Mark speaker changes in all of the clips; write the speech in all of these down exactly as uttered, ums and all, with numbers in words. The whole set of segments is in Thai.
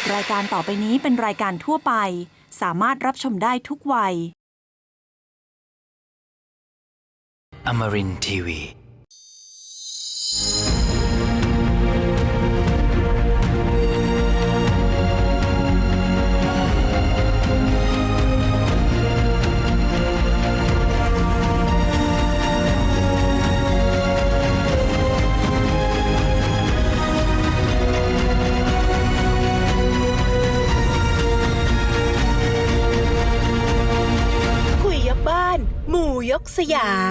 Speaker 1: รายการต่อไปนี้เป็นรายการทั่วไปสามารถรับชมได้ทุกวัย
Speaker 2: Amarin ที วี
Speaker 3: คุยยกบ้านหมู่ยกสยาม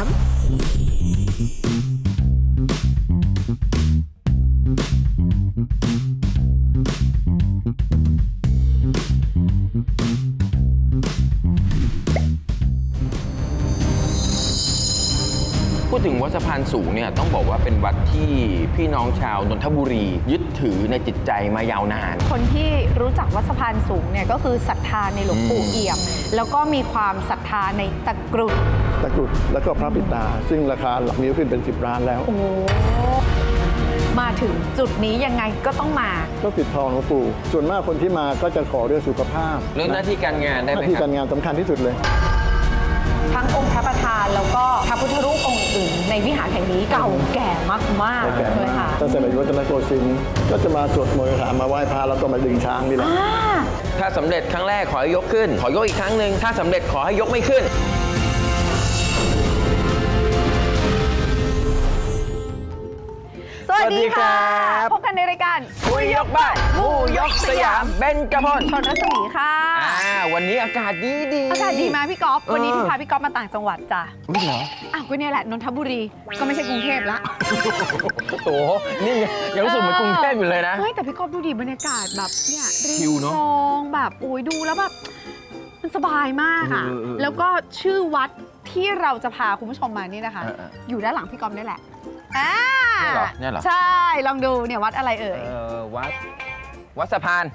Speaker 4: พูดถึงวัดสะพานสูงเนี่ยต้องบอกว่าเป็นวัดที่พี่น้องชาวนนทบุรียึดถือในจิตใจมายาวนาน
Speaker 5: คนที่รู้จักวัดสะพานสูงเนี่ยก็คือศรัทธาในหลวงปู่เอี่ยม แล้วก็มีความศรัทธาในตะกรุด
Speaker 6: ตะกรุดแล้วก็พระปิตาซึ่งราคาหลักนิ้วขึ้นเป็นสิบล้านแล้ว
Speaker 5: โอ้มาถึงจุดนี้ยังไงก็ต้องมา
Speaker 6: ก็ปิดทองหลวงปู่ส่วนมากคนที่มาก็จะขอเรื่องสุขภาพ
Speaker 4: เรื่องหน้าที่การงานได้
Speaker 6: ห
Speaker 4: ไหม
Speaker 6: น้าที่
Speaker 4: ครั
Speaker 6: กา
Speaker 4: บ
Speaker 6: รงานสำคัญที่สุดเลย
Speaker 5: ทั้งองค์พระประธานแล้วก็พระพุทธรูปองค์อื่นในวิหารแห่งนี้เก่าแก่มากๆ
Speaker 6: แก่
Speaker 5: เลย
Speaker 6: มา
Speaker 5: ค่ะ
Speaker 6: กตั้งแต่สมัยรัตนโกสินทร์ก็จะมาสวดมนต์คาถามาไหว้พระแล้วก็มาดึงช้างนี่แหละ
Speaker 5: อ่า
Speaker 4: ถ้าสำเร็จครั้งแรกขอให้ยกขึ้น ขอยกอีกครั้งหนึ่งถ้าสำเร็จขอให้ยกไม่ขึ้น
Speaker 5: สวัสดีค่ะ
Speaker 4: สวัสดีครับ
Speaker 5: พบกันในรายการ
Speaker 4: คุยยกบ้านหมู่ยกสยามเบญจพร
Speaker 5: ชนรัศมีค่ะ
Speaker 4: อ่าวันนี้อากาศดีดี
Speaker 5: อากาศดีไหมพี่ก๊อฟวันนี้
Speaker 4: เออ
Speaker 5: พี่พาพี่ก๊อฟมาต่างจังหวัดจ้ะ
Speaker 4: ไม่เหรอ
Speaker 5: อ้าวก็เนี่ยแหละนนทบุรีก็ไม่ใช่กรุงเทพละ
Speaker 4: โอ้โหนี่ยังรู้สึกเหมือนกรุงเทพอยู่เลยนะ
Speaker 5: เฮ้ยแต่พี่ก๊อฟดูดิบรรยากาศแบบเนี่ยริ
Speaker 4: ชิ
Speaker 5: ม
Speaker 4: ลเนอะ
Speaker 5: คลองแบบโอ้ยดูแล้วแบบมันสบายมากอ่ะ
Speaker 4: เออเออเออ
Speaker 5: แล้วก็ชื่อวัดที่เราจะพาคุณผู้ชมมานี่นะคะ
Speaker 4: เออเออ
Speaker 5: อยู่ด้านหลังพี่ก๊อฟนี่แหละอ่า
Speaker 4: เนี่ยเหรอเนี่ยเหรอ
Speaker 5: ใช่ลองดูเนี่ยวัดอะไรเอ่ย
Speaker 4: เออวัดวัดสะพาน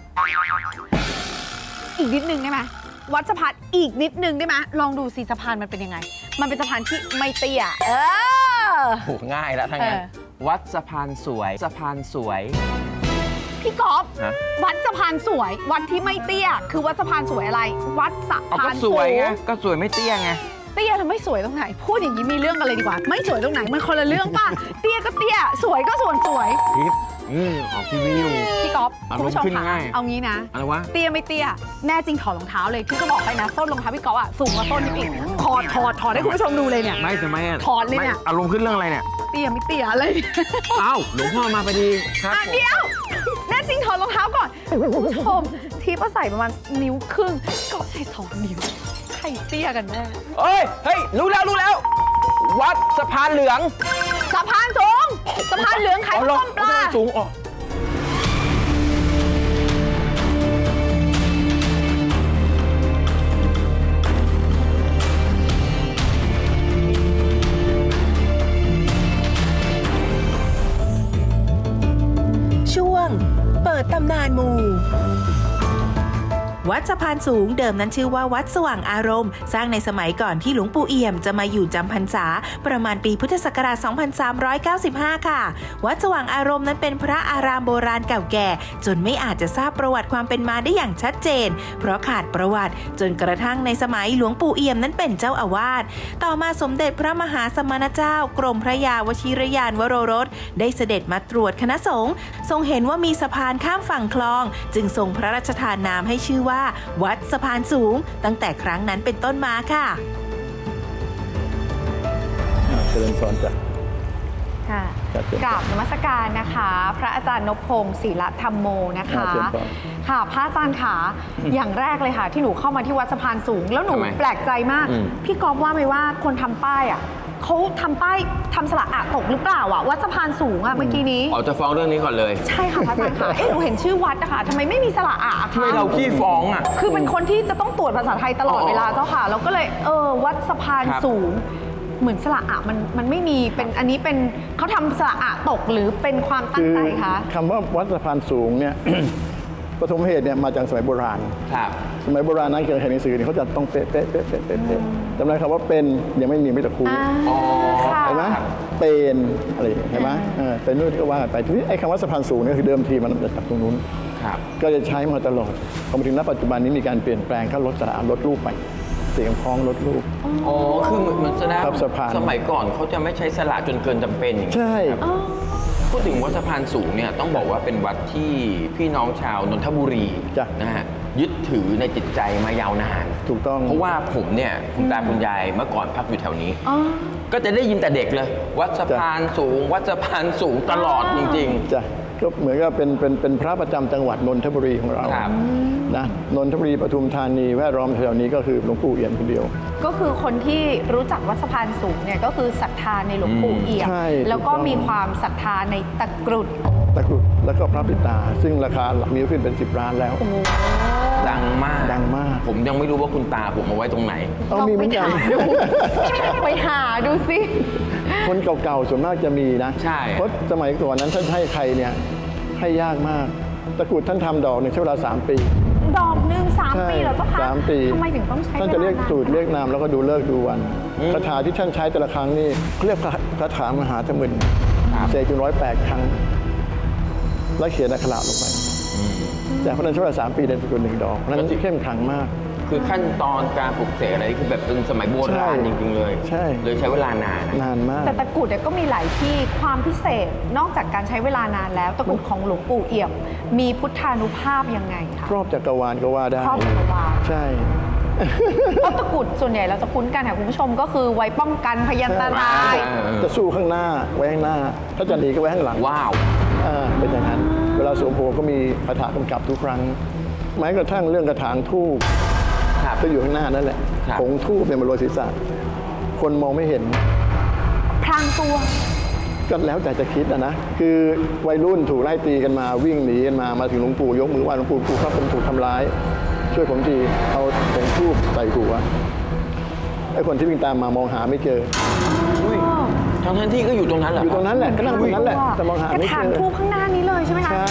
Speaker 5: อีกนิดนึงได้ไหมวัดสะพานอีกนิดนึงได้ไหมลองดูสิสะพานมันเป็นยังไง มันเป็นสะพานที่ไม่เตี้ยเออ
Speaker 4: โหง่ายแล้วทั้งนั้น
Speaker 5: เออ
Speaker 4: วัดสะพานสวยสะพานสวย
Speaker 5: พี่ก๊อฟ
Speaker 4: ฮะ
Speaker 5: วัดสะพานสวย วัดที่ไม่เตี้ย คือวัดสะพานสวยอะไร วัดสะ
Speaker 4: เอา
Speaker 5: พา
Speaker 4: ก็
Speaker 5: น
Speaker 4: ส
Speaker 5: สู
Speaker 4: วยไง
Speaker 5: ง
Speaker 4: ก็สวยไม่เตี้ยไง
Speaker 5: เตี้ยแล้วไม่สวยตรงไหน พูดอย่างนี้มีเรื่องกันเลยดีกว่า ไม่สวยตรงไหนมันคนละเรื่องป่ะ เตี้ยก็เตี้ย สวยก็ส่วนสวย
Speaker 4: คลิปอืมออกทีวีอยู่
Speaker 5: พี่ก๊อฟ
Speaker 4: อารมณ์
Speaker 5: คุณผู้ชม
Speaker 4: ขึ้น
Speaker 5: ค่ะ
Speaker 4: ง่าย
Speaker 5: เอางี้นะ
Speaker 4: อะไรวะ
Speaker 5: เตี้ยไม่เตี้ย แน่จริงถอดรองเท้าเลยพี่ก็บอกไปนะส้นรองเท้าพี่ก๊อฟอะสูงกว่าต้นนิดอีกถอดถอดถอดให้คุณผู้ชมดูเลยเนี่ย
Speaker 4: ไม่ทำไมอ่ะ
Speaker 5: ถอนเลยเนี่ย
Speaker 4: ไม่อารมณ์ขึ้นเรื่องอะไรเนี่ย
Speaker 5: เตี้ยไม่เตี้ยอะไร
Speaker 4: เอ้าหลวงพ่อมาพอดีครับ
Speaker 5: อ่ะเดี๋ยว แน่จริงถอดรองเท้าก่อนคุณผู้ชมทีป้าใส่ประมาณนิ้วครึ่งก็ใส่สองนิ้วใครเตี้ยกันแน่
Speaker 4: เอ้ยเฮ้ยรู้แล้วรู้แล้ว วัดสะพานเหลือง
Speaker 5: สะพานสูงสะพานเหลืองขาย
Speaker 4: อ๋อ
Speaker 5: ข้าวต้มปลา
Speaker 4: สะพานสูงอ๋อ
Speaker 3: ช่วงเปิดตำนานหมู่
Speaker 1: วัดสะพานสูงเดิมนั้นชื่อว่าวัดสว่างอารมณ์ สร้างในสมัยก่อนที่หลวงปู่เอี่ยมจะมาอยู่จำพรรษา ประมาณปีพุทธศักราช สองพันสามร้อยเก้าสิบห้า ค่ะ วัดสว่างอารมณ์นั้นเป็นพระอารามโบราณเก่าแก่ จนไม่อาจจะทราบประวัติความเป็นมาได้อย่างชัดเจน เพราะขาดประวัติ จนกระทั่งในสมัยหลวงปู่เอี่ยมนั้นเป็นเจ้าอาวาส ต่อมาสมเด็จพระมหาสมณเจ้ากรมพระยาวชิรยานวโรรสได้เสด็จมาตรวจคณะสงฆ์ทรงเห็นว่ามีสะพานข้ามฝั่งคลอง จึงทรงพระราชทานนามให้ชื่อว่าวัดสะพานสูง ตั้งแต่ครั้งนั้นเป็นต้นมาค่ะ
Speaker 6: เจริญพรจ้ะ
Speaker 5: ค่ะ
Speaker 6: ครับเชิญ
Speaker 5: กราบนมัสการนะคะ พระอาจารย์นพพงศ์ศิลธรรมโมนะคะ
Speaker 6: ครับเชิญพร
Speaker 5: ค่ะพระอาจารย์ขาอย่างแรกเลยค่ะ ที่หนูเข้ามาที่วัดสะพานสูง แล้วหนู
Speaker 4: ทำไม
Speaker 5: แปลกใจมาก
Speaker 4: อืม
Speaker 5: พี่ก๊อฟว่าไหมว่าคนทำป้ายอ่ะเขาทำป้ายทำสระอะตกหรือเปล่าอ่ะวัดสะพานสูงอ่ะเมื่อกี้นี้
Speaker 4: อ๋อจะฟ้องเรื่องนี้ก่อนเลย
Speaker 5: ใช่ค่ะพระอาจารย์ค่ะเอ๊ะหนูเห็นชื่อวัดนะคะทำไมไม่มีสระอะคะ
Speaker 4: ทำไมเราขี้ฟ้องอ่ะ
Speaker 5: คือเป็นคนที่จะต้องตรวจภาษาไทยตลอดเวลาเจ้าค่ะ แล้วก็เลยเออวัดสะพาน
Speaker 4: ครับ
Speaker 5: สูง เหมือนสระอะมันมันไม่มีเป็นอันนี้เป็นเขาทำสระอะตกหรือเป็นความตั้งใจคะ
Speaker 6: คำว่าวัดสะพานสูงเนี่ย ปฐมเหตุเนี่ยมาจากสมัยโบราณ
Speaker 4: ครับ
Speaker 6: สมัยโบราณนั้นเกี่ยวกับหนังสือเนี่ยเขาจะต้องเป๊ะเป๊ะเป๊ะเป๊ะเป๊ะเป๊ะจำได้คำว่าเป็นยังไม่มีไม่ตะคู
Speaker 5: อ่า
Speaker 4: อ๋อ
Speaker 5: ค่ะ
Speaker 6: เห็นไหมเป็นอะไรอย่างเงี้ยเห็นไหมเออเป็นนู่นก็ว่ากันไปทีนี้ไอ้คำว่าสะพานสูงเนี่ยคือเดิมทีมันมาจากตรงนู้น
Speaker 4: ครับ
Speaker 6: ก็จะใช้มาตลอดพอมาถึงณปัจจุบันนี้มีการเปลี่ยนแปลงเขาลดสระลดรูปไปเสียงคล้องลดรูป
Speaker 4: อ๋อ คือเหมือนเหมือนแสดง
Speaker 6: ครับสะพาน
Speaker 4: สมัยก่อนเขาจะไม่ใช้สละจนเกินจำเป็นอย่างนี้
Speaker 6: ใช่
Speaker 4: พูดถึงวัดสะพานสูงเนี่ยต้องบอกว่าเป็นวัดที่พี่น้องชาวนนทบุรี
Speaker 6: จ้ะ
Speaker 4: นะฮะยึดถือในจิตใจมายาวนาน
Speaker 6: ถูกต้อง
Speaker 4: เพราะว่าผมเนี่ยคุณตาคุณยายเมื่อก่อนพักอยู่แถวนี้
Speaker 5: อ๋อ
Speaker 4: ก็จะได้ยินแต่เด็กเลย วัดสะพานสูง วัดสะพานสูงตลอดจริง
Speaker 6: จ้ะก็เหมือนกับเป็นเป็นเป็นพระประจำจังหวัดนนทบุรีของเรา
Speaker 4: ครับ
Speaker 6: นะนนทบุรีปทุมธานีแวดล้อมแถวนี้ก็คือหลวงปู่เอี่ยมคนเดียว
Speaker 5: ก็คือคนที่รู้จักวัดสะพานสูงเนี่ยก็คือศรัทธาในหลวงปู่เอี่ยม
Speaker 6: ใช่
Speaker 5: แล้วก็
Speaker 6: ถูกต้อง
Speaker 5: มีความศรัทธาในตะกรุด
Speaker 6: ตะกรุดแล้วก็พระปิดตา ซึ่งราคามีขึ้นเป็นสิบล้านแล้ว
Speaker 4: ๆ ดังมาก
Speaker 6: ดังมาก
Speaker 4: ผมยังไม่รู้ว่าคุณตาผมเอาไว้ตรงไหน
Speaker 6: เอามีเหมือนกัน
Speaker 5: ไปหาดูสิ
Speaker 6: คนเก่าๆส่วนมากจะมีนะ
Speaker 4: ใช่
Speaker 6: เพราะสมัยก่อนนั้นท่านให้ใครเนี่ยให้ยากมาก ตะกรุดท่านทำดอกหนึ่งใช้เวลาสามปี
Speaker 5: ดอกหนึ่งสาม
Speaker 6: ใช่
Speaker 5: ปีเหรอเจ้าคะ
Speaker 6: สามปี
Speaker 5: ทำไมถึงต้องใช้
Speaker 6: ท่านจะเรียก
Speaker 5: วลน
Speaker 6: สูตรเรียกนามแล้วก็ดูเลิกษ์ดูวันคาถาที่ท่านใช้แต่ละครั้งนี่เขาเรียกคาถามหาธมึน
Speaker 4: ครับ
Speaker 6: เสกถึงร้อยแปดครั้ง แล้วเขียนอักขระลงไปแต่เพราะนั้นใช้เวลาสามปีเดินตะกรุดหนึ่งดอกนั้นเข้มขลังมาก
Speaker 4: คือขั้นตอนการปลุกเสกอะไรคือแบบเป็นสมัยโบราณ
Speaker 6: ใช่
Speaker 4: จริง ๆ เลย
Speaker 6: ใช่
Speaker 4: เลยใช้เวลานาน
Speaker 6: นานมาก
Speaker 5: แต่ตะกรุดเนี่ยก็มีหลายที่ความพิเศษนอกจากการใช้เวลานานแล้วตะกรุดของหลวงปู่เอี่ยม มีพุทธานุภาพยังไงคะ
Speaker 6: ครอบจักรวาลก็ว่าได้
Speaker 5: ครอบจักรวาล
Speaker 6: ใช่
Speaker 5: เพราะตะกรุดส่วนใหญ่เราจะคุ้นกันค่ะคุณผู้ชมก็คือไว้ป้องกันพยันตราย
Speaker 6: จะสู้ข้างหน้าไว้ข้างหน้า ถ้าจะหนีก็ไว้ข้างหลัง
Speaker 4: ว้าว
Speaker 6: อ่าเป็นอย่างนั้น เวลาสวมโพก็มีคาถากำกับทุกครั้ง แม้กระทั่งเรื่องกระถางทูบ
Speaker 4: ครับ
Speaker 6: ก็อยู่ข้างหน้านั่นแหละ
Speaker 4: ครับ
Speaker 6: ผงทูบเนี่ยมันโรยศีรษะ คนมองไม่เห็น
Speaker 5: พรางตัว
Speaker 6: ก็แล้วแต่จะคิดนะนะ คือวัยรุ่นถูกไล่ตีกันมาวิ่งหนีกันมา มาถึงหลวงปู่ยกมือไหว้หลวงปู่ปู่ครับผมถูกทำร้าย ช่วยผมที เอาผงทูบใส่หัวไอ้คนที่วิ่งตามมามองหาไม่เจอ
Speaker 4: อุ้ยทั้งท่านที่ก็อยู่ตรงนั้นเหรอ
Speaker 6: อยู่ตรงนั้นแหละก็นั่งตรงนั้นแหละ
Speaker 5: อุ๊ย
Speaker 6: แต่มองหาก
Speaker 5: ระ
Speaker 6: ไม่
Speaker 5: ถา
Speaker 6: เจ
Speaker 5: ง
Speaker 6: อ
Speaker 5: ทูบข้างหน้านี้เลยใช่ไหมคะ
Speaker 6: ใช่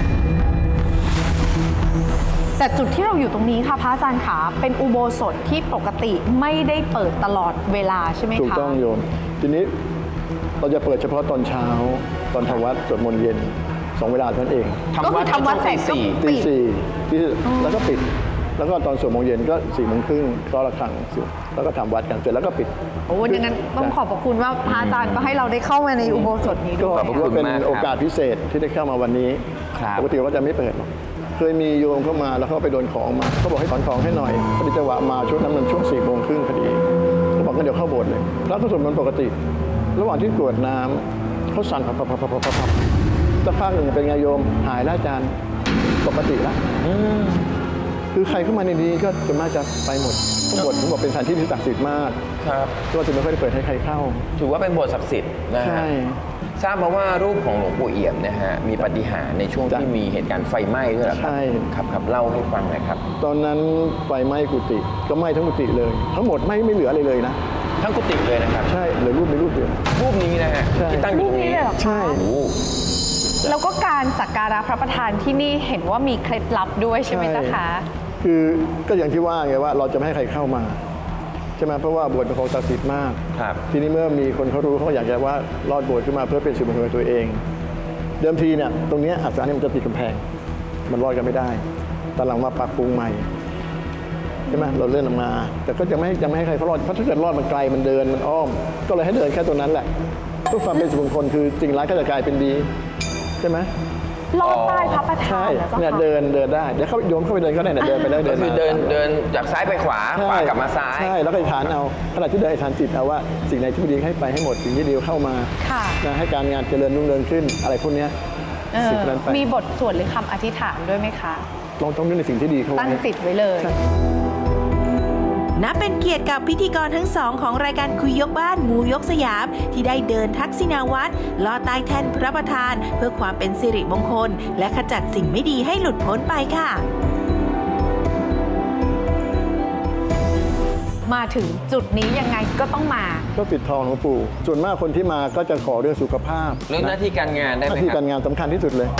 Speaker 5: แต่จุดที่เราอยู่ตรงนี้ค่ะพระอาจารย์ขาเป็นอุโบสถที่ปกติไม่ได้เปิดตลอดเวลาใช่ไหมคะ
Speaker 6: ถูกต้องโยม ทีนี้เราจะเปิดเฉพาะตอนเช้า ตอนทำวัดสวดมนต์เย็นสองเวลาเท่านั้นเอง
Speaker 5: ก็คือทำวัดเสร็จก็
Speaker 4: สี่
Speaker 6: ตี
Speaker 5: ปิด
Speaker 6: สี่ตีแล้วก็ปิด แล้วก็ตอนสวดมนต์เย็นก็สี่โมงครึ่งก็ระฆังสุดแล้วก็ทำวัดกันเสร็จแล้วก็ปิด
Speaker 5: โอ้ดังนั้นต้องขอบพระคุณว่าพระอาจารย์ก็ให้เราได้เข้ามาในอุโบสถนี้
Speaker 6: ก็
Speaker 5: ด้วย
Speaker 6: ถือว่าเป็นโอกาสพิเศษที่ได้เข้ามาวันนี้
Speaker 4: ครับ
Speaker 6: ปกติเราก็จะไม่เปิดหรอกเคยมีโยมเข้ามาแล้วเขาไปโดนของมาเขาบอกให้ถอนของให้หน่อยพอดีจังหวะมาช่วงนั้นมันช่วงสี่โมงครึ่งพอดีเขาบอกงั้นเดี๋ยวเข้าโบสถ์เลยแล้วก็สวดมนต์ปกติ ระหว่างที่กรวดน้ำเขาสั่นพับพับพับพับพับพับสักพักหนึ่งเป็นไงโยมหายแล้วอาจารย์ปกติแล้วคือใครเข้ามาในนี้ก็จะมาจะไปหมดทั้งหมดผมบอกเป็นสถานที่ที่ศักดิ์สิทธิ์มาก
Speaker 4: ครับ
Speaker 6: ก็จะไม่ค่อยได้เปิดให้ใครเข้า
Speaker 4: ถือว่าเป็นโบสถ์ศักดิ์สิทธิ์นะ
Speaker 6: ใช่
Speaker 4: ฮะทราบมาว่ารูปของหลวงปู่เอี่ยมนะฮะมีปาฏิหาริย์ในช่วง
Speaker 6: จ้ะ
Speaker 4: ที่มีเหตุการณ์ไฟไหม้ด้วยเหรอครับ
Speaker 6: ใช่
Speaker 4: ครับครับเล่าให้ฟังหน่อยครับ
Speaker 6: ตอนนั้นไฟไหม้กุฏิก็ไหม้ทั้งกุฏิเลย ทั้งหมดไหม้ไม่เหลืออะไรเลยนะ
Speaker 4: ทั้งกุฏิเลยนะครับ
Speaker 6: ใช่เหลือรูปในรูปเดียว
Speaker 4: รูปนี้นะฮะ
Speaker 6: ใช่
Speaker 4: ที่ตั้งอยู่ตรงนี้
Speaker 5: รูปนี้เลยเหรอ
Speaker 6: ใช่
Speaker 4: โอ้โห
Speaker 5: แล้วก็การสักการะพระประธานที่นี่เห็นว่ามีเคล็ดลับด้วยใช่ไหมเจ้าคะ
Speaker 6: คือก็อย่างที่ว่าไงว่าเราจะไม่ให้ใครเข้ามาใช่ไหมเพราะว่าโบสถ์เป็นของศักดิ์สิทธิ์มาก
Speaker 4: ครับ
Speaker 6: ทีนี้เมื่อมีคนเขารู้เขาอยากจะว่ารอดโบสถ์ขึ้นมาเพื่อเป็นสิริมงคลกับตัวเอง เดิมทีเนี่ยตรงเนี้ยอาสาเนี่ยมันจะติดกำแพง มันรอดกันไม่ได้ตอนหลังมาปรับปรุงใหม่ใช่ไหมเราเลื่อนออกมา แต่ก็จะไม่จะไม่ให้ใครเขารอดเพราะถ้าเกิดรอดมันไกลมันเดินมันอ้อม ก็เลยให้เดินแค่ตรงนั้นแหละเพื่อความเป็นสิริมงคลคือสิ่งร้ายก็จะกลายเป็นดีใช่ไหม
Speaker 5: ลอดใต้พระประธา
Speaker 6: ใช่
Speaker 5: นเหรอเจ้า
Speaker 6: เนี่ย
Speaker 5: คะ
Speaker 6: เดินเดินได้เดี๋ยวเขาโยมเข้าไปเดินก็ได้เนี่ยเดินไปได้
Speaker 4: ก็
Speaker 6: เดิน
Speaker 4: คื
Speaker 6: มา
Speaker 4: อเดินเดินจากซ้ายไปขวา
Speaker 6: ใช่
Speaker 4: ขวากลับมาซ้าย
Speaker 6: ใช่แล้วก็อธิษฐานเอาขณะที่เดินอธิษฐานจิตเอาว่าสิ่งไหนที่ไม่ดีให้ไปให้หมดสิ่งที่ดีเข้ามา
Speaker 5: ค่ะ
Speaker 6: นะให้การงานเจริญรุ่งเรืองขึ้นอะไรพวกเนี้ย
Speaker 5: เออ
Speaker 6: สิ่งนั้นไป
Speaker 5: มีบทสวดหรือคำอธิษฐานด้วยไหมคะ
Speaker 6: ลองต้องนึกในสิ่งที่ดีเข้าไว้
Speaker 5: ตั้งจิตไว้เลย
Speaker 1: นับเป็นเกียรติกับพิธีกรทั้งสองของรายการคุยยกบ้านมูยกสยาม ที่ได้เดินทักษิณาวัตรลอดใต้แท่นพระประธาน เพื่อความเป็นสิริมงคล และขจัดสิ่งไม่ดีให้หลุดพ้นไปค่ะ
Speaker 5: มาถึงจุดนี้ยังไงก็ต้องมา
Speaker 6: ก็ปิดทองหลวงปู่ส่วนมากคนที่มาก็จะขอเรื่องสุขภาพ
Speaker 4: เรื่องหน้าที่การงานได้
Speaker 6: ห
Speaker 4: ไหม
Speaker 6: น้าที่
Speaker 4: ครั
Speaker 6: การ
Speaker 4: บ
Speaker 6: งานสำคัญที่สุดเลย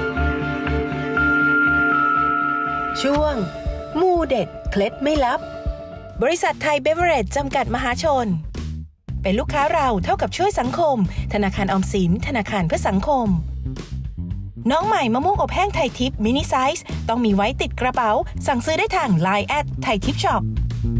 Speaker 3: ช่วงมูเด็ดเคล็ดไม่ลับบริษัทไทยเบเวอเรจจำกัดมหาชน เป็นลูกค้าเราเท่ากับช่วยสังคม ธนาคารออมสินธนาคารเพื่อสังคม น้องใหม่มะม่วงอบแห้งไทยทิพย์มินิไซส์ต้องมีไว้ติดกระเป๋า สั่งซื้อได้ทาง ไลน์ แอทไทยทิพย์ช็อป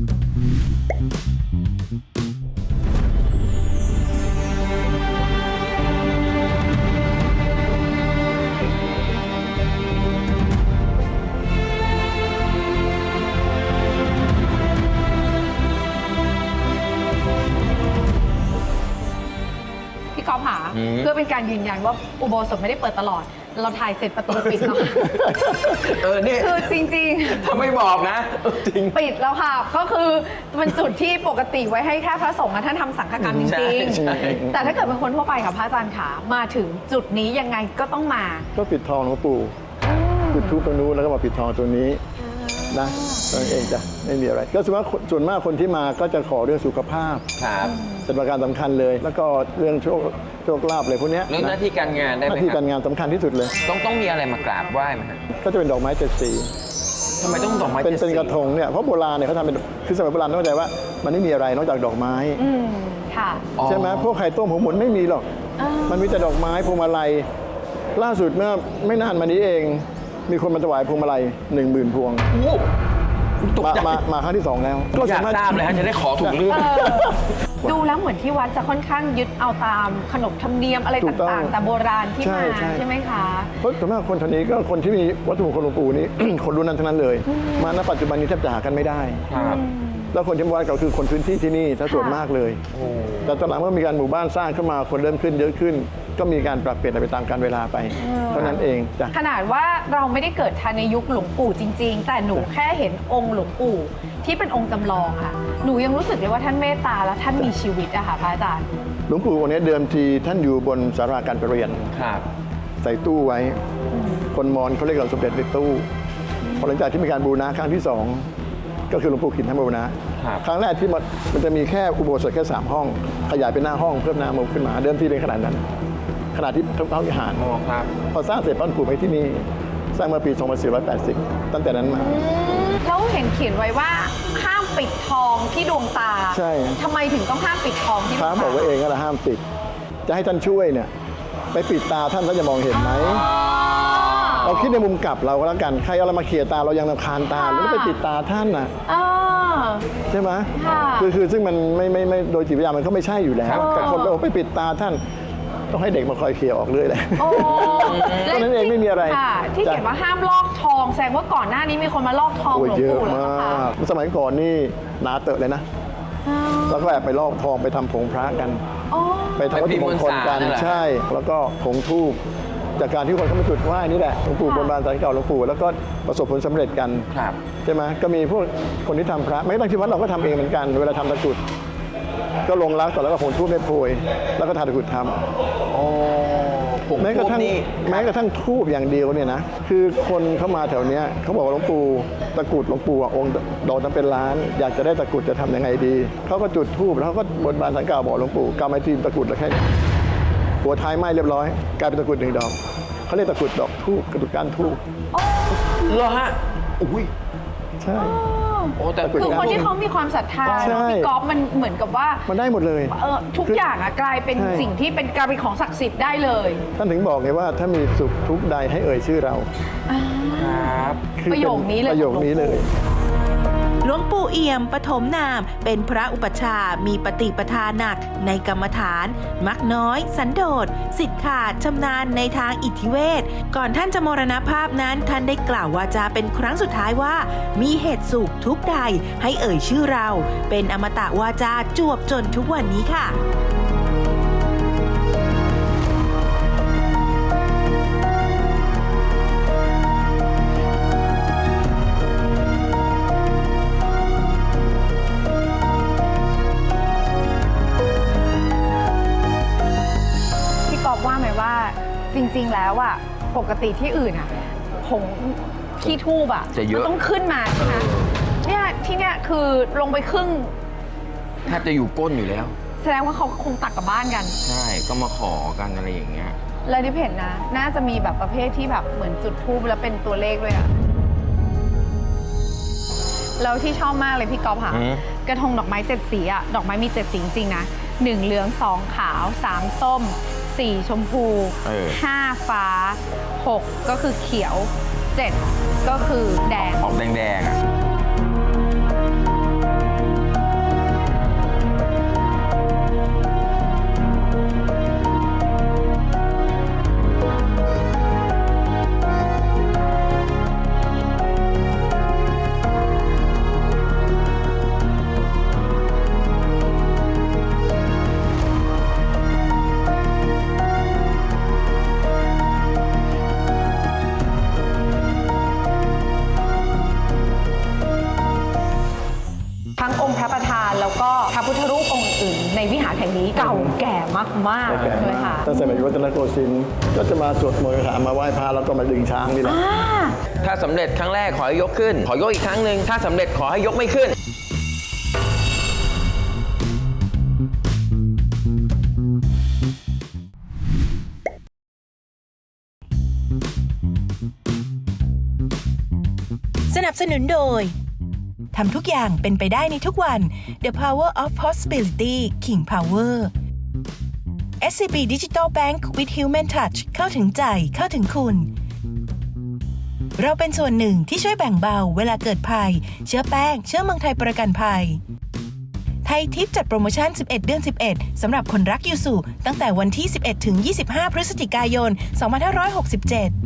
Speaker 5: พี่ก๊อฟหา
Speaker 4: อืม
Speaker 5: เพื่อเป็นการยืนยันว่าอุโบสถไม่ได้เปิดตลอด เราถ่ายเสร็จประตูปิดแล้วค่ะ
Speaker 4: เออเนี่ย
Speaker 5: คือจริง
Speaker 4: ถ้าไม่บอกนะเออจริง
Speaker 5: ๆ ปิดแล้วค่ะ ก็คือเป็นจุดที่ปกติไว้ให้แค่พระสงฆ์อะท่านทำสังฆกรรมจ
Speaker 4: ใช่
Speaker 5: ริง
Speaker 4: ใช่
Speaker 5: ๆ แต่ถ้าเกิดเป็นคนทั่วไปค่ะพระอาจารย์ขามาถึงจุดนี้ยังไงก็ต้องมา
Speaker 6: ก็ปิดทองหลวงปู่จุดทูปตรงนู้นแล้วก็มาปิดทองตรงนี้นะนั่นเองจ้ะไม่มีอะไร ก็ส่วนมากส่วนมากคนที่มาก็จะขอเรื่องสุขภาพ
Speaker 4: ครับ
Speaker 6: เป็นประการสำคัญเลย แล้วก็เรื่องโชคโชคลาภอะไรพวกเนี้ย
Speaker 4: เรื่องหน้าที่การงานได้
Speaker 6: ห
Speaker 4: ไหม
Speaker 6: น้าที่
Speaker 4: ครั
Speaker 6: การ
Speaker 4: บ
Speaker 6: งานสำคัญที่สุดเลย
Speaker 4: ต้องต้องมีอะไรมากราบไหว้ไหมฮะ
Speaker 6: ก็จะเป็นดอกไม้เจ็ดสี
Speaker 4: ทำไมต้องดอกไม้
Speaker 6: เป็น
Speaker 4: จ็ด
Speaker 6: เป็น
Speaker 4: สี
Speaker 6: กระทงเนี่ยเพราะโบราณเนี่ยเขาทำเป็นคือสมัยโบราณต้องเข้าใจว่ามันไม่มีอะไรนอกจากดอกไม้
Speaker 5: อืมค่ะ
Speaker 4: อ๋อ
Speaker 6: ใช่ไหมพวกไข่ต้มหัวหมุนไม่มีหรอก
Speaker 5: อ่ามั
Speaker 6: มันมีแต่ดอกไม้พวงมาลัยล่าสุดเมื่อไม่นานมานี้เอง มีคนมาถวายพวงมาลัยหนึ่งหมื่นพวง
Speaker 4: โอ้ตก
Speaker 6: มา
Speaker 4: ใจ
Speaker 6: มามาครั้งที่สองแล้ว
Speaker 4: อยากทราบเลยฮะจะได้ขอถูกเรื่อง
Speaker 5: เออดูแล้วเหมือนที่วัดจะค่อนข้างยึดเอาตามขนบธรรมเนียมอะไร
Speaker 6: ถูกต้อง
Speaker 5: ต่างๆ แต่โบราณที่
Speaker 6: ใช่
Speaker 5: มา
Speaker 6: ใช่
Speaker 5: ใช่ไหมคะ
Speaker 6: เพราะส่วนมากคนแถวนี้ก็คนที่มีวัตถุมงคลหลวงปู่นี้ คนรุ่นนั้นทั้งนั้นเลย มาณปัจจุบันนี้แทบจะหากันไม่ได้
Speaker 4: ครับ
Speaker 6: แล้วคนที่มาวัดก็คือคนพื้นที่ที่นี่ถ้าส่วนมากเลย แต่ตอนหลังเมื่อมีการหมู่บ้านสร้างขึ้นมาคนเริ่มขึ้นเยอะขึ้น ก็มีการปรับเปลี่ยนไปตามกาลเวลาไป เท่านั้นเองจ้ะ
Speaker 5: ขนาดว่าเราไม่ได้เกิดทันในยุคหลวงปู่จริง ๆ แต่หนูแค่เห็นองค์หลวงปู่ที่เป็นองค์จำลองค่ะ หนูยังรู้สึกเลยว่าท่านเมตตาและท่านมีชีวิตอะค่ะพระอาจารย์
Speaker 6: หลวงปู่องค์นี้เดิมทีท่านอยู่บนศาลาการประเรียน
Speaker 4: ครับ
Speaker 6: ใส่ตู้ไว้ คนมอญเขาเรียกเราสมเด็จในตู้พอหลังจากที่มีการบูรณะครั้งที่สองก็คือหลวงปู่ขินท่านบูรณะ
Speaker 4: ครับ
Speaker 6: ครั้งแรกที่มันมันจะมีแค่อุโบสถแค่สามห้อง ขยายเป็นหน้าห้องเพิ่มหน้ามุมขึ้นมา เดิมทีเป็นขนาดนั้น ขนาดที่พระวิหาร
Speaker 4: อ๋อครับ
Speaker 6: พอสร้างเสร็จปั้นปู่ไปที่นี่ สร้างเมื่อปีสองพันสี่ร้อยแปดสิบตั้งแต่นั้นมา
Speaker 5: แล้วเห็นเขียนไว้ว่าห้ามปิดทองที่ดวงตา
Speaker 6: ใช่
Speaker 5: ทำไมถึงต้องห้ามปิดทองที่ด
Speaker 6: พ
Speaker 5: ว
Speaker 6: ระ
Speaker 5: งตา
Speaker 6: บอกไว้เองก็ละห้ามปิด จะให้ท่านช่วยเนี่ยไปปิดตาท่านท่านจะมองเห็นไหม เราคิดในมุมกลับเราก็แล้วกัน ใครเอาอะไรมาเขี่ยตาเรายังรำคาญตาแล้วก็ไปปิดตาท่านน่ะ
Speaker 5: อ่า
Speaker 6: ใช่ไหม
Speaker 5: ค่ะ
Speaker 6: คือคือซึ่งมันไม่ไม่ไม่โดยจิตวิทยามันก็ไม่ใช่อยู่แล้วแต่คนไปบอกไปปิดตาท่าน ต้องให้เด็กมาคอยเขี่ยออกเรื่อยเลย
Speaker 5: โอ้
Speaker 6: เท่านั้นเองไม่มีอะไร
Speaker 5: ค่ะที่
Speaker 6: จ้ะ
Speaker 5: เขียนว่าห้ามลอกทองแสดงว่าก่อนหน้านี้มีคนมาลอกทองห
Speaker 6: โอ้
Speaker 5: ล
Speaker 6: ยว
Speaker 5: ง
Speaker 6: เยอะ
Speaker 5: ปู่แล้ว
Speaker 6: มา
Speaker 5: นะคะ
Speaker 6: กสมัยก่อนนี่หนาเตอะเลยนะ
Speaker 5: อ่า
Speaker 6: แล้วก็แอบไปลอกทองไปทำผงพระกัน
Speaker 5: อ๋อ
Speaker 6: ไปทำวัตถุมงคลกัน
Speaker 4: ไปพิมพ์มวลสารนั่นแหละ
Speaker 6: ใช่ แล้วก็ผงทูบจากการที่คนเข้ามาจุดไหว้นี่แหละหลวงปู่บนบานสารเก่าหลวงปู่แล้วก็ประสบผลสำเร็จกัน
Speaker 4: ครับ
Speaker 6: ใช่ไหมก็มีพวกคนที่ทำพระไม่ตั้งที่วัดเราก็ทำเองเหมือนกัน เวลาทำตะกรุดก็ลงรักก่อนแล้วก็ผงทูบไม่โพยแล้วก็ทาตะกรุดทำ
Speaker 4: โอ้ผม
Speaker 6: แม้กระทั่ง
Speaker 4: นี่
Speaker 6: แม้กระทั่งทูบอย่างเดียวเนี่ยนะคือคนเข้ามาแถวเนี้ยเขาบอกว่าหลวงปู่ตะกรุดหลวงปู่อะองค์ดอกนั้นเป็นล้าน อยากจะได้ตะกรุดจะทำยังไงดีเขาก็จุดทูบแล้วเขาก็บนบานสังกล่าวบอกหลวงปู่กำไม้ทีมตะกรุดแล้วแค่นี้หัวท้ายไหม้เรียบร้อยกลายเป็นตะกรุดหนึ่งดอกเขาเรียกตะกรุดดอกทูบกระดุกก้านทูบ
Speaker 4: เหรอฮะอุ้ย
Speaker 6: ใช่
Speaker 4: โอ้แต่
Speaker 6: ตะกรุด
Speaker 5: คือคนที่เขามีความศรัทธา
Speaker 6: ใช่
Speaker 5: เนอะพี่ก๊อฟมันเหมือนกับว่า
Speaker 6: มันได้หมดเลย
Speaker 5: เออทุกอย่างอะกลายเป็น
Speaker 6: ใช่
Speaker 5: สิ่งที่เป็นกลายเป็นของศักดิ์สิทธิ์ได้เลย
Speaker 6: ท่านถึงบอกไงว่าถ้ามีสุขทุกข์ใดให้เอ่ยชื่อเรา
Speaker 4: ครับ
Speaker 6: คือ
Speaker 5: ประโยคนี้เลย
Speaker 6: ประโยคนี้เลย
Speaker 1: หลวงปู่เอี่ยมปฐมนาม เป็นพระอุปัชฌาย์มีปฏิปทาหนักในกรรมฐาน มักน้อย สันโดษสิทธิ์ขาดชำนาญในทางอิทธิเวทก่อนท่านจะมรณภาพนั้นท่านได้กล่าววาจาเป็นครั้งสุดท้ายว่า มีเหตุสุขทุกใดให้เอ่ยชื่อเรา เป็นอมตะวาจาจวบจนทุกวันนี้ค่ะ
Speaker 5: พี่ก๊อฟว่าไหมว่าจริง ๆ แล้วอะปกติที่อื่นอะผงขี้ทูบอะ
Speaker 4: จะเยอะ
Speaker 5: มันต้องขึ้นมาใช่ไหมเนี่ยที่เนี่ยคือลงไปครึ่ง
Speaker 4: แทบจะอยู่ก้นอยู่แล้ว
Speaker 5: แสดงว่าเขาคงตักกลับบ้านกัน
Speaker 4: ใช่ ก็มาขอกันอะไรอย่างเงี้ย
Speaker 5: เลยที่เห็นนะ น่าจะมีแบบประเภทที่แบบเหมือนจุดทูบแล้วเป็นตัวเลขด้วยอะแล้วที่ชอบมากเลยพี่ก๊อฟค่ะ
Speaker 4: อืม
Speaker 5: กระทงดอกไม้เจ็ดสีอะดอกไม้มีเจ็ดสีจริงๆนะหนึ่งเหลืองสองขาวสามส้มสี่ชมพู
Speaker 4: เออ
Speaker 5: ห้าฟ้าหกก็คือเขียวเจ็ดก็คือแดง
Speaker 4: ออกแดงๆอ่ะ
Speaker 5: ทั้งองค์พระประธานแล้วก็พระพุทธรูปองค์อื่นในวิหารแห่งนี้เก่าแก่มากๆ
Speaker 6: แก่
Speaker 5: เลย
Speaker 6: มาก
Speaker 5: ค่ะ
Speaker 6: ตั้งแต่สมัยรัตนโกสินทร์ก็จะมาสวดมนต์คาถามาไหว้พระแล้วก็มาดึงช้างนี่แหละ
Speaker 5: อ่า
Speaker 4: ถ้าสำเร็จครั้งแรกขอให้ยกขึ้น ขอยกอีกครั้งหนึ่งถ้าสำเร็จขอให้ยกไม่ขึ้น
Speaker 3: สนับสนุนโดย ทำทุกอย่างเป็นไปได้ในทุกวัน The Power of Possibility King Power เอส ซี บี Digital Bank with Human Touch เข้าถึงใจเข้าถึงคุณ เราเป็นส่วนหนึ่งที่ช่วยแบ่งเบาเวลาเกิดภัย เชื้อแป้ง เชื้อเมืองไทยประกันภัย ไทยทิปจัดโปรโมชั่น สิบเอ็ด เดือน สิบเอ็ด สำหรับคนรักยูสุตั้งแต่วันที่ สิบเอ็ด ถึง ยี่สิบห้า พฤศจิกายน สองพันห้าร้อยหกสิบเจ็ด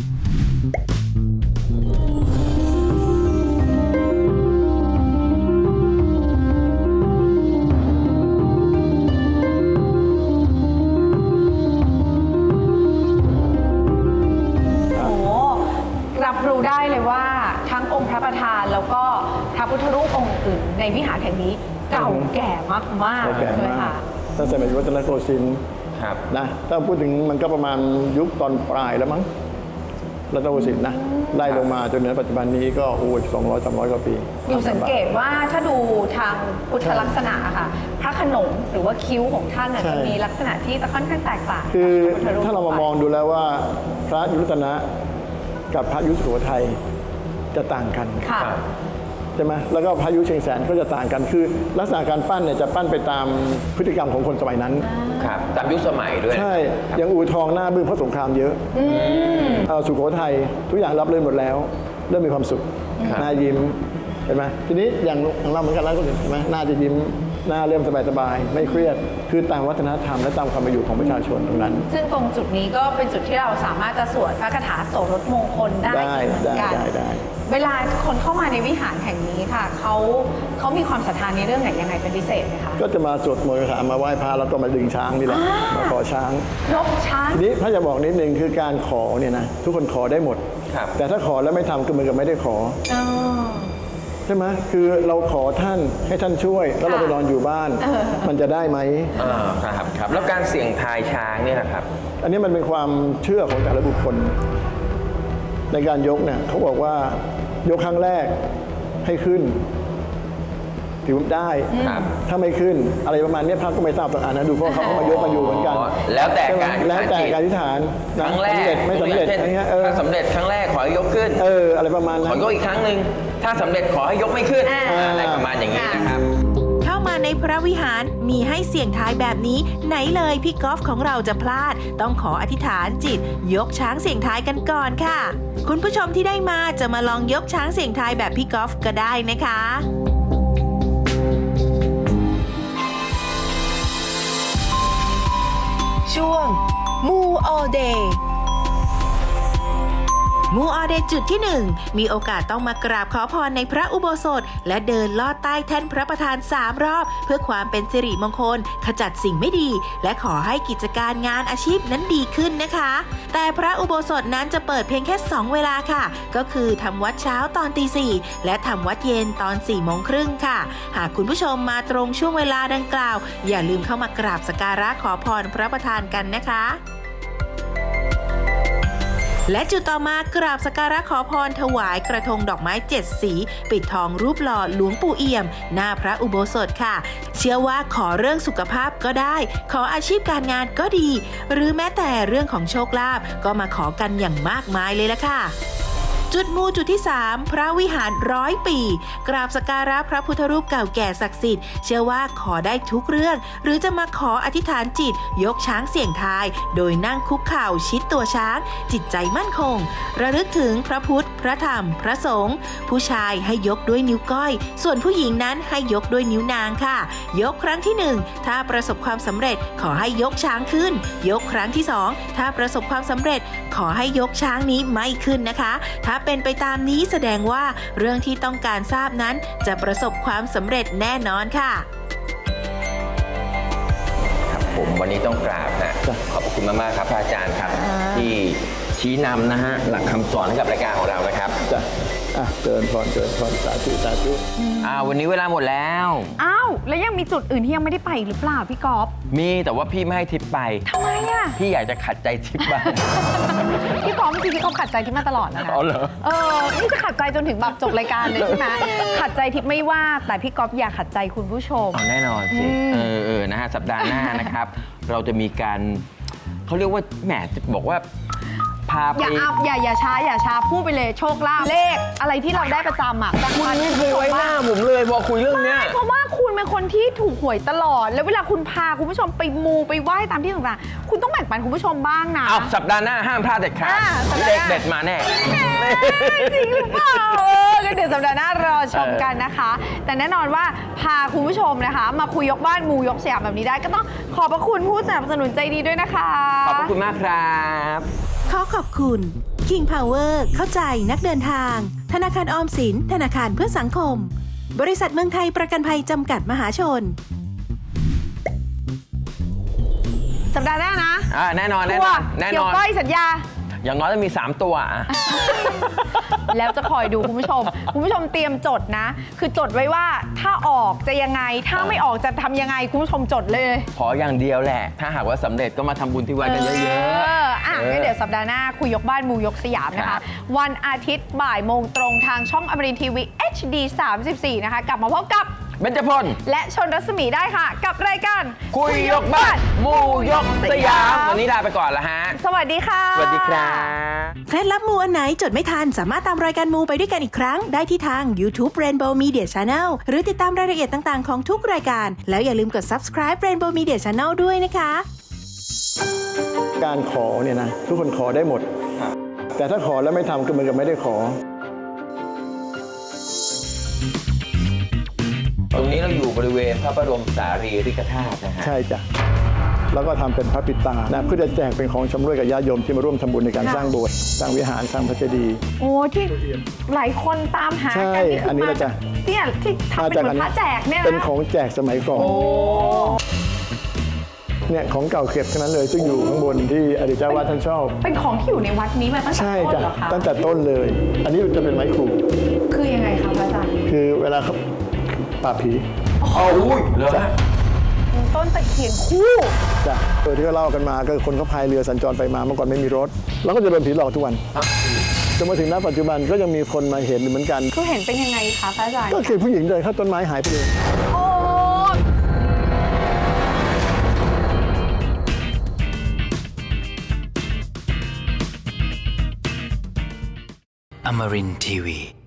Speaker 5: รับรู้ได้เลยว่าทั้งองค์พระประธานแล้วก็พระพุทธรูปองค์อื่นในวิหารแห่งนี้เก่าแก่มาก
Speaker 6: เก่า
Speaker 5: ๆ
Speaker 6: แก่
Speaker 5: เลย
Speaker 6: มา
Speaker 5: ค่ะ
Speaker 6: กตั้งแต่สมัยรัตนโกสินทร์
Speaker 4: ครับ
Speaker 6: นะถ้าพูดถึงมันก็ประมาณยุคตอนปลายแล้วมั้งรัตนโกสินทร์นะไล่ลงมาจนถึงปัจจุบันนี้ก็โอ้ยสองร้อยสามร้อยกว่าปี
Speaker 5: อยู่สังเกตว่าถ้าดูทางพุทธลักษณะอะค่ะพระโขนงหรือว่าคิ้วของท่านอะ
Speaker 6: ใช่
Speaker 5: จะมีลักษณะที่จะค่อนข้างแตกต่าง
Speaker 6: คือ
Speaker 5: จากพระพุทธป
Speaker 6: ถ้าเรามามองดูแล้วว่าพระยุทธนะกับพระยุทธสุโขทัยจะต่างกัน
Speaker 5: ค่ะ
Speaker 6: ใช่ไหมแล้วก็พระยุเชียงแสนก็จะต่างกัน คือลักษณะการปั้นเนี่ยจะปั้นไปตามพฤติกรรมของคนสมัยนั้น
Speaker 4: ครับ ตามยุคสมัยด้วย
Speaker 6: ใช่อย่างอู่ทองหน้าบึ้งเพราะสงครามเยอะเอ่อสุโขทัยทุกอย่างรับเรื่นหมดแล้ว เริ่มมีความสุข
Speaker 4: ครับ
Speaker 6: หน้ายิ้มเห็นไหมทีนี้อย่างของเราเหมือนกันแล้วก็เห็นไหมหน้าจะยิ้มหน้าเริ่มสบายๆไม่เครียดคือตามวัฒนธรรมและตามความเป็นอยู่ของประชาชนตรงนั้น
Speaker 5: ซึ่งตรงจุดนี้ก็เป็นจุดที่เราสามารถจะสวดพระคาถาโสรถมงคลได้
Speaker 6: ได้
Speaker 5: เหมือนกัน
Speaker 6: ได้ได้ได้
Speaker 5: เวลาคนเข้ามาในวิหารแห่งนี้ค่ะเขาเขามีความศรัทธาในเรื่องไหนยังไงเป็นพิเศษไหมคะ
Speaker 6: ก็จะมาสวดมนต์คาถามาไหว้พระแล้วก็มาดึงช้างนี่แหละมาขอช้าง
Speaker 5: รบช้าง
Speaker 6: ทีนี้พระจะบอกนิดนึงคือการขอเนี่ยนะทุกคนขอได้หมด
Speaker 4: ครับ
Speaker 6: แต่ถ้าขอแล้วไม่ทำก็เหมือนกับไม่ได้ขอ
Speaker 5: อ๋อ
Speaker 6: ใช่ไหมคือเราขอท่านให้ท่านช่วย แล้วเรา
Speaker 5: ค่ะ
Speaker 6: ไปนอนอยู่บ้าน มันจะได้ไหม
Speaker 4: อ่าครับครับ แล้วการเสี่ยงทายช้างเนี่ยนะครับ
Speaker 6: อันนี้มันเป็นความเชื่อของแต่ละบุคคล ในการยกเนี่ยเขาบอกว่ายกครั้งแรกให้ขึ้นถือว่าได้
Speaker 4: ครับ
Speaker 6: ถ้าไม่ขึ้นอะไรประมาณนี้พระก็ไม่ทราบต่างอ่านนะดูเพราะเขาก็มายกกันอยู่เหมือนกัน
Speaker 4: อ๋อแล้วแต่
Speaker 6: ใช่ไหม
Speaker 4: การ
Speaker 6: แล้วแต่การอธิษฐาน
Speaker 4: ครั้งแร
Speaker 6: สำ
Speaker 4: ก
Speaker 6: เร็จไม่สำเร็จ
Speaker 4: ช่น
Speaker 6: อะไรเงี้ยเออ
Speaker 4: ถ้าสำเร็จครั้งแรกขอให้ยกขึ้น
Speaker 6: เอออะไรประมาณ
Speaker 4: ข
Speaker 6: นั้
Speaker 4: อน ยกอีกครั้งหนึ่งถ้าสำเร็จขอให้ยกไม่ขึ้น
Speaker 5: อ่า
Speaker 4: อะไรประมาณอย่างนี้นะครับ
Speaker 1: เข้ามาในพระวิหารมีให้เสี่ยงทายแบบนี้ ไหนเลยพี่กอล์ฟของเราจะพลาด ต้องขออธิษฐานจิต ยกช้างเสี่ยงทายกันก่อนค่ะ คุณผู้ชมที่ได้มาจะมาลองยกช้างเสี่ยงทายแบบพี่กอล์ฟก็ได้นะคะ
Speaker 3: ช่วงมู all day
Speaker 1: มูออเดย์จุดที่หนึ่งมีโอกาสต้องมากราบขอพรในพระอุโบสถ และเดินลอดใต้แท่นพระประธานสามรอบ เพื่อความเป็นสิริมงคล ขจัดสิ่งไม่ดี และขอให้กิจการงานอาชีพนั้นดีขึ้นนะคะ แต่พระอุโบสถนั้นจะเปิดเพียงแค่สองเวลาค่ะ ก็คือทำวัดเช้าตอนตีสี่และทำวัดเย็นตอนสี่โมงครึ่งค่ะ หากคุณผู้ชมมาตรงช่วงเวลาดังกล่าว อย่าลืมเข้ามากราบสักการะขอพรพระประธานกันนะคะ และจุดต่อมากราบสักการะขอพรถวายกระทงดอกไม้เจ็ดสี ปิดทองรูปหล่อหลวงปู่เอี่ยม หน้าพระอุโบสถค่ะ เชื่อว่าขอเรื่องสุขภาพก็ได้ ขออาชีพการงานก็ดี หรือแม้แต่เรื่องของโชคลาภก็มาขอกันอย่างมากมายเลยละค่ะจุดมูจุดที่ สาม พระวิหารร้อยปี กราบสักการะพระพุทธรูปเก่าแก่ศักดิ์สิทธิ์เชื่อว่าขอได้ทุกเรื่อง หรือจะมาขออธิษฐานจิต ยกช้างเสี่ยงทาย โดยนั่งคุกเข่าชิดตัวช้าง จิตใจมั่นคง ระลึกถึงพระพุทธ พระธรรม พระสงฆ์ผู้ชายให้ยกด้วยนิ้วก้อย ส่วนผู้หญิงนั้นให้ยกด้วยนิ้วนางค่ะ ยกครั้งที่หนึ่งถ้าประสบความสำเร็จขอให้ยกช้างขึ้น ยกครั้งที่สองถ้าประสบความสำเร็จขอให้ยกช้างนี้ไม่ขึ้นนะคะ ถ้าเป็นไปตามนี้แสดงว่าเรื่องที่ต้องการทราบนั้นจะประสบความสำเร็จแน่นอนค่ะ
Speaker 4: ครับผมวันนี้ต้องกราบนะขอบคุณมากๆครับพระอาจารย์ครับ ที่ชี้นำนะฮะหลักคำสอนให้กับรายการของเรานะครับ
Speaker 6: จ้ะอ่ะเจริญพรเจริญพรสาธุสาธุ
Speaker 4: อ่าวันนี้เวลาหมดแล้ว
Speaker 5: อ้าว แล้วยังมีจุดอื่นที่ยังไม่ได้ไปอีกหรือเปล่าพี่ก๊อฟ
Speaker 4: มีแต่ว่าพี่ไม่ให้ทิปไป
Speaker 5: ทำไมอ่ะ
Speaker 4: พี่อยากจะขัดใจทิปบ้าง
Speaker 5: พี่ก๊อฟจริงๆพี่ก๊อฟขัดใจทิพย์มาตลอดนะคะ
Speaker 4: อ๋อเหรอ
Speaker 5: เออ นี่จะขัดใจจนถึงแบบจบรายการเลยใช่ไหมขัดใจทิพย์ไม่ว่า แต่พี่ก๊อฟอย่าขัดใจคุณผู้ชม
Speaker 4: อ๋อแน่นอนสิ เออเออนะฮะสัปดาห์หน้านะครับ เราจะมีการเขาเรียกว่าแหมจะบอกว่าพาไป
Speaker 5: อย่าอัพอย่าอย่าช้าอย่าช้าพูดไปเลยโชคลาภเลขอะไรที่เราได้ประจำอ่ะ
Speaker 4: คุณไม่เคยไว้หน้าผมเลยพอคุยเรื่องเนี้ย
Speaker 5: เพราะว่าคุณเป็นคนที่ถูกหวยตลอด แล้วเวลาคุณพาคุณผู้ชมไปมูไปไหว้ตามที่ต่างๆคุณต้องแบ่งปันคุณผู้ชมบ้างนะ
Speaker 4: เอาสัปดาห์หน้าห้ามพลาดเด็ดขาด
Speaker 5: อ่าสัปดาห์ห
Speaker 4: เล
Speaker 5: น้า
Speaker 4: ขเด็ดมาแน่
Speaker 5: จริงหรือเปล่าเออก็เดี๋ยวสัปดาห์หน้ารอชมกันนะคะ แต่แน่นอนว่าพาคุณผู้ชมนะคะ มาคุยยกบ้านมูยกสยามแบบนี้ได้ก็ต้องขอบพระคุณผู้สนับสนุนใจดีด้วยนะคะ
Speaker 4: ขอบพระคุณมากครับ
Speaker 1: ขอขอบคุณ King Power เข้าใจนักเดินทาง ธนาคารออมสิน ธนาคารเพื่อสังคม บริษัทเมืองไทยประกันภัยจำกัดมหาชน
Speaker 5: สัปดาห์หน้านะ
Speaker 4: อ่าแน่นอนแน่
Speaker 5: ทั
Speaker 4: น
Speaker 5: ว
Speaker 4: อน
Speaker 5: ร์
Speaker 4: แน่
Speaker 5: เกี่
Speaker 4: น
Speaker 5: ยว
Speaker 4: อน
Speaker 5: ก้อยสัญญา
Speaker 4: อย่างน้อยต้องมี สาม ตัวอ่ะ
Speaker 5: แล้วจะคอยดูคุณผู้ชม คุณผู้ชมเตรียมจดนะ คือจดไว้ว่าถ้าออกจะยังไง ถ้าไม่ออกจะทำยังไง คุณผู้ชมจดเลย
Speaker 4: ขออย่างเดียวแหละ ถ้าหากว่าสำเร็จก็มาทำบุญที่วัดกันเยอะๆ
Speaker 5: เอออ่ะงั้นเดี๋ยวสัปดาห์หน้าคุยยกบ้านมูยกสยามนะ
Speaker 4: ครั
Speaker 5: คะ
Speaker 4: บ
Speaker 5: วันอาทิตย์บ่ายโมงตรงทางช่องอมรินทร์ทีวี เอช ดี สามสิบสี่ นะคะ กลับมาพบกับ
Speaker 4: เบญจพล
Speaker 5: และชนรัศมีได้ค่ะ กับรายการ
Speaker 4: คุยยกบ้านหมู่ยกสยาม วันนี้ลาไปก่อนละฮะ
Speaker 5: สวัสดีค่ะ
Speaker 4: สวัสดีครับ
Speaker 1: เคล็ดลับมูอันไหนจดไม่ทันสามารถตามรายการมูไปด้วยกันอีกครั้ง ได้ที่ทาง YouTube Rainbow Media Channel หรือติดตามรายละเอียดต่างๆของทุกรายการ แล้วอย่าลืมกด subscribe Rainbow Media Channel ด้วยนะคะ
Speaker 6: การขอเนี่ยนะทุกคนขอได้หมด แต่ถ้าขอแล้วไม่ทำก็เหมือนกับไม่ได้ขอ
Speaker 4: ตรงนี้เราอยู่บริเวณพระบรมสารีริกธาตุนะฮะ
Speaker 6: ใช่จ้ะแล้วก็ทำเป็นพระปิดตานะเพื่อจะแจกเป็นของชำร่วยกับญาติโยมที่มาร่วมทำบุญในการ
Speaker 5: ค่ะ
Speaker 6: สร้างโบสถ์สร้างวิหารสร้างพระเจดีย์
Speaker 5: โอ้ที่หลายคนตามหา
Speaker 6: ใช่
Speaker 5: กันนี่คื
Speaker 6: อันนี้
Speaker 5: มา
Speaker 6: แหละจ้ะ
Speaker 5: เนี่ยที่ทำเป็นเหมือนพระแจกเนี่ยนะ
Speaker 6: เป็นของแจกสมัยก่อน
Speaker 5: โอ้
Speaker 6: เนี่ยของเก่าเก็บทั้งนั้นเลย ซึ่งอยู่ข้างบนที่อดีตเจ้าวาดท่านชอบ
Speaker 5: เป็นของที่อยู่ในวัดนี้มาตั้งแต่
Speaker 6: ใช่
Speaker 5: ต้น
Speaker 6: จ้ะ
Speaker 5: เหรอคะ
Speaker 6: ตั้งแต่ต้นเลย อันนี้จะเป็นไม้ครู
Speaker 5: คือยังไงคะพระอาจารย์
Speaker 6: คือเวลาเขาปราบผี
Speaker 4: อ๋ออุ้ยเหรอฮะ
Speaker 5: ต้นตะเคียนคู่
Speaker 6: จ้ะโดยที่เขาเล่ากันมาก็คือคนเขาพายเรือสัญจรไปมาเมื่อก่อนไม่มีรถ แล้วก็จะโดนผีหลอกทุกวันจนมาถึงณปัจจุบันก็ยังมีคนมาเห็นเหมือนกัน
Speaker 5: คือเห็นเป็นยังไงคะพระอาจารย์
Speaker 6: ก็คือผู้หญิงเดินเข้าต้นไม้หายไปเลย
Speaker 5: โอ้
Speaker 2: Amarin Tiwi.